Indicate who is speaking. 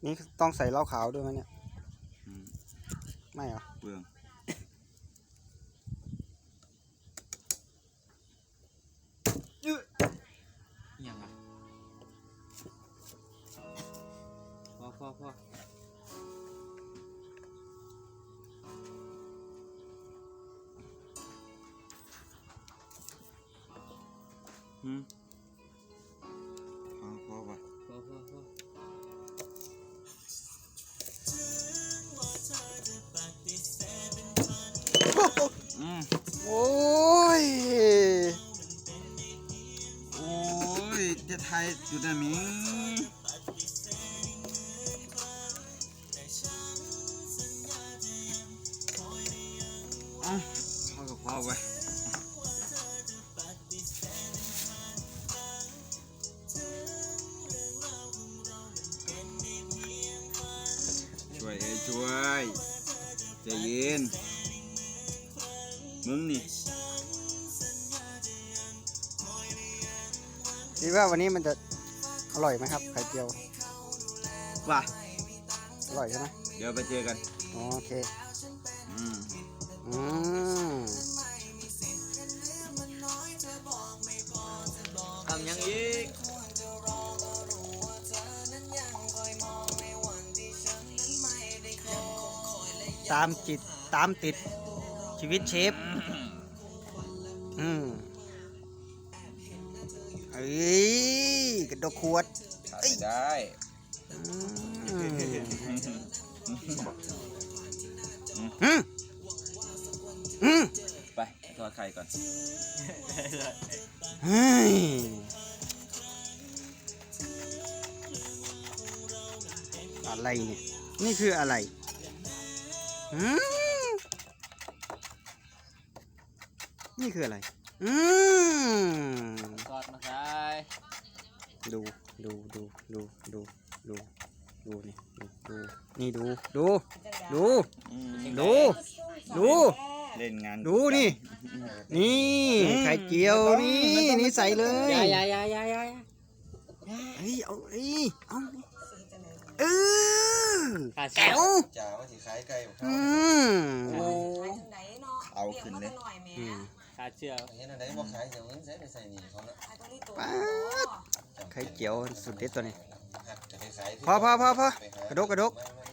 Speaker 1: นี่ต้องใส่เหล้าขาวด้วยไหมเนี่ยไม่เหรอ
Speaker 2: เปลืองยังอ่ะพอพอว่ะ
Speaker 1: โอ้ย
Speaker 2: จะไทยจุดนั้นมิพอกับพอไว้ช่วยใจเย็นมึงนี่
Speaker 1: คิดว่าวันนี้มันจะอร่อยไหมครับไข่เจียว
Speaker 2: ว่ะ
Speaker 1: อร่อยใช่ไหม
Speaker 2: เดี๋ยวไปเจอกัน
Speaker 1: โอเค
Speaker 2: ทำยังอีก
Speaker 1: ตามจิตตามติดชีวิตเชฟเอ้ยกระดกขวด
Speaker 2: ได้ไปทอดไข่ก่อน
Speaker 1: อะไรเนี่ยนี่คืออะไรนี่คืออะไร
Speaker 2: ทอดมาใส่
Speaker 1: ดูนี่ดู
Speaker 2: เล่นงาน
Speaker 1: ดูนี่ไข่เจียวนี่ใส่เลย
Speaker 2: ยา
Speaker 1: เฮ้ยเอา
Speaker 2: แก้ว
Speaker 3: จ่าว่าสิขายไก่
Speaker 2: เอาขึ้นเลยขาเชื่อ
Speaker 3: เห็นอะไรบอกขายเดี๋ยวเงินใส่นี่เขาเนาะ
Speaker 1: ไข่เจียวสุดเด็ดตัวนี้
Speaker 3: จะไปขาย
Speaker 1: พอกระดก